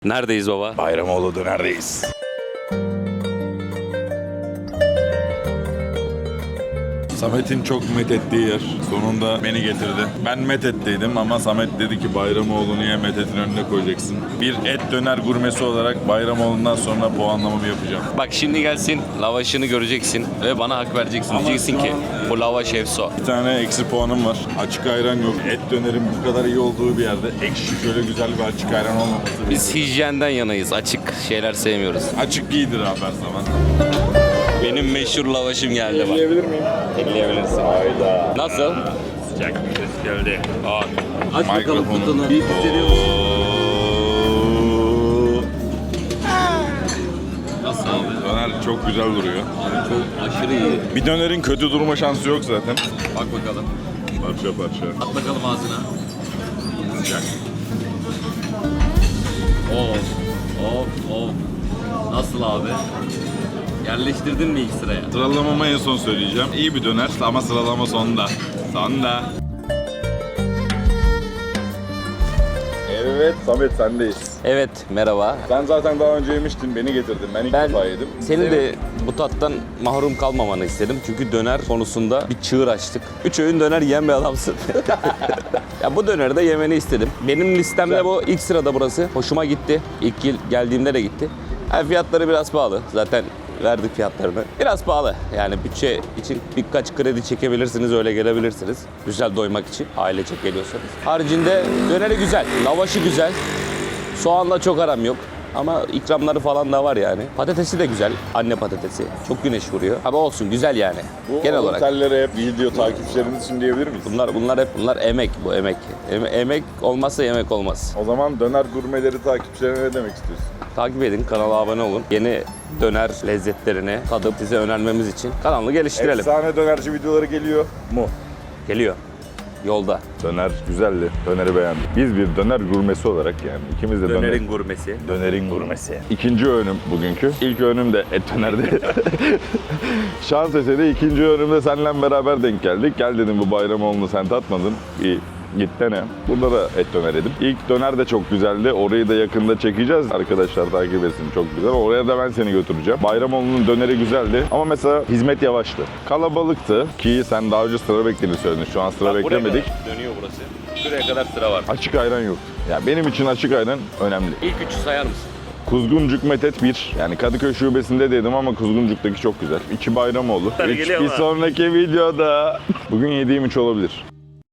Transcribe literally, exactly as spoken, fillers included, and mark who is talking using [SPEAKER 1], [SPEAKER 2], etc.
[SPEAKER 1] Neredeyiz baba?
[SPEAKER 2] Bayramoğlu dönerdeyiz. Samet'in çok methettiği yer. Sonunda beni getirdi. Ben Methet'teydim ama Samet dedi ki Bayramoğlu niye Methet'in önüne koyacaksın? Bir et döner gurmesi olarak Bayramoğlu'ndan sonra puanlamamı yapacağım.
[SPEAKER 1] Bak şimdi gelsin, lavaşını göreceksin ve bana hak vereceksin.
[SPEAKER 2] Ama
[SPEAKER 1] Diyeceksin
[SPEAKER 2] şu
[SPEAKER 1] ki
[SPEAKER 2] an-
[SPEAKER 1] bu lavaş efso.
[SPEAKER 2] Bir tane eksi puanım var. Açık ayran yok. Et dönerin bu kadar iyi olduğu bir yerde ekşi şöyle güzel bir açık ayran olmaması.
[SPEAKER 1] Biz hijyenden yanayız. Açık şeyler sevmiyoruz.
[SPEAKER 2] Açık iyidir abi her zaman.
[SPEAKER 1] Benim meşhur lavaşım geldi bak.
[SPEAKER 2] Yiyebilir miyim?
[SPEAKER 1] Elleyebilirsin.
[SPEAKER 2] Hayda.
[SPEAKER 1] Nasıl?
[SPEAKER 2] Sıcak bir ses geldi. Aa.
[SPEAKER 1] Aç bakalım
[SPEAKER 2] Mikrofonu.
[SPEAKER 1] kutunu. Bir hissediyor musun? Nasıl abi?
[SPEAKER 2] Döner çok güzel duruyor.
[SPEAKER 1] Çok aşırı iyi.
[SPEAKER 2] Bir dönerin kötü durma şansı yok zaten.
[SPEAKER 1] Bak bakalım.
[SPEAKER 2] Parça parça.
[SPEAKER 1] At bakalım ağzına.
[SPEAKER 2] Sıcak.
[SPEAKER 1] Of. Of. Of. Nasıl abi? Yerleştirdin mi ilk sıraya?
[SPEAKER 2] Sıralamamı en son söyleyeceğim. İyi bir döner ama sıralama sonda. Sonda. Evet Samet sendeyiz.
[SPEAKER 1] Evet, merhaba.
[SPEAKER 2] Sen zaten daha önce yemiştin, beni getirdin. Ben ilk
[SPEAKER 1] Ben
[SPEAKER 2] defa yedim.
[SPEAKER 1] senin de bu tattan mahrum kalmamanı istedim. Çünkü döner konusunda bir çığır açtık. Üç öğün döner yiyen bir adamsın. Ya bu döneri de yemeni istedim. Benim listemde
[SPEAKER 2] Güzel.
[SPEAKER 1] bu ilk sırada burası. Hoşuma gitti. İlk yıl geldiğimde de gitti. Yani fiyatları biraz pahalı. Zaten verdik fiyatlarını. Biraz pahalı. Yani bütçe için birkaç kredi çekebilirsiniz, öyle gelebilirsiniz. Güzel doymak için, ailecek geliyorsanız. Haricinde döneri güzel, lavaşı güzel. Soğanla çok aram yok. Ama ikramları falan da var yani. Patatesi de güzel. Anne patatesi. Çok güneş vuruyor. Ama olsun güzel yani.
[SPEAKER 2] Bu
[SPEAKER 1] Genel olarak.
[SPEAKER 2] otellere hep video takipçilerimiz için diyebilir miyiz?
[SPEAKER 1] Bunlar bunlar hep bunlar emek bu emek. Eme- emek olmazsa yemek olmaz.
[SPEAKER 2] O zaman döner gurmeleri takipçilerine ne demek istiyorsun?
[SPEAKER 1] Takip edin, kanala abone olun. Yeni döner lezzetlerini tadıp size önermemiz için kanalı geliştirelim.
[SPEAKER 2] Efsane dönerci videoları geliyor mu?
[SPEAKER 1] Geliyor. Yolda.
[SPEAKER 2] Döner güzeldi. Döneri beğendim. Biz bir döner gurmesi olarak yani ikimiz de döner.
[SPEAKER 1] gurmesi.
[SPEAKER 2] Dönerin gurmesi. İkinci öğünüm bugünkü. İlk öğünüm de et dönerdi. Şans eseri ikinci öğünümde seninle beraber denk geldik. Gel dedim bu Bayramoğlu'nu sen tatmadın. Bir git dene. Burada da et döner yedim. İlk döner de çok güzeldi. Orayı da yakında çekeceğiz. Arkadaşlar takip etsin, çok güzel. Oraya da ben seni götüreceğim. Bayramoğlu'nun döneri güzeldi. Ama mesela hizmet yavaştı. Kalabalıktı ki sen daha önce sıra beklediğini söyledin. Şu an sıra beklemedik.
[SPEAKER 1] Dönüyor burası. Şuraya kadar sıra var.
[SPEAKER 2] Açık ayran yok. Ya benim için açık ayran önemli.
[SPEAKER 1] İlk üçü sayar mısın?
[SPEAKER 2] Kuzguncuk Methet bir. Yani Kadıköy şubesinde dedim ama Kuzguncuk'taki çok güzel. İki Bayramoğlu. Üç,
[SPEAKER 1] geliyor
[SPEAKER 2] bir
[SPEAKER 1] ama.
[SPEAKER 2] sonraki videoda. Bugün yediğim üç olabilir.